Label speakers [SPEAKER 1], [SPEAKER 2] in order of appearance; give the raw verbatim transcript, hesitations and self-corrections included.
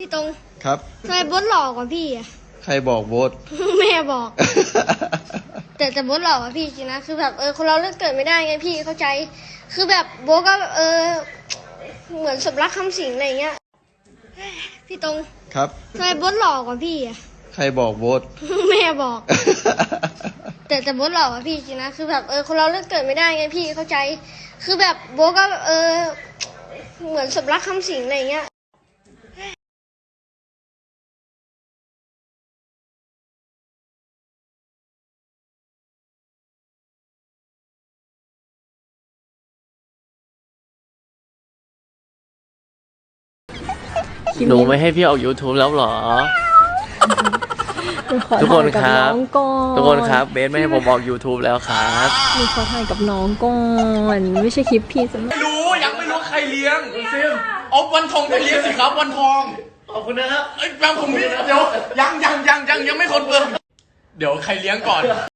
[SPEAKER 1] พี่ตรง
[SPEAKER 2] ครับ
[SPEAKER 1] ทำไมโบ๊ทหล่อกว่าพี่อ่ะ
[SPEAKER 2] ใครบอกโบ๊ท
[SPEAKER 1] แม่บอก แต่แต่โบ๊ทหล่อกว่าพี่จริงนะคือแบบเออคนเราเลือกเกิดไม่ได้ไงพี่เข้าใจ คือแบบโบ๊ทก็เออเหมือนสมรักคำสิงอะไรเงี้ยพี่ตรง
[SPEAKER 2] ครับ
[SPEAKER 1] ทำไมโบ๊ทหล่อกว่าพี่อ่ะ
[SPEAKER 2] ใครบอกโบ๊ท
[SPEAKER 1] แม่บอก แต่แต่โบ๊ทหล่อกว่าพี่จริงนะคือแบบเออคนเราเลือกเกิดไม่ได้ไงพี่เข้าใจ คือแบบโบ๊ทก็เออเหมือนสมรักคำสิงอะไรเงี้ย
[SPEAKER 3] หนูไม่ให้พี่ออก YouTube แล้วเหรอ ทุกคนครับทุกคนครับเบสไม่ให้ผมออก YouTube แล้วครับ
[SPEAKER 4] หนูขอถ่ายกับน้องก่อนไม่ใช่คลิปพี่สมัย
[SPEAKER 5] ไม่รู้ยังไม่รู้ใครเลี้ยงซิมเอาวันทองไปเลี้ยงสิครับวันทองขอบคุณนะครับไอ้ยแบงผมนี่เดี๋ยวยังยังยังยังยังไม่คนเปิดเดี๋ยวใครเลี้ยงก่อน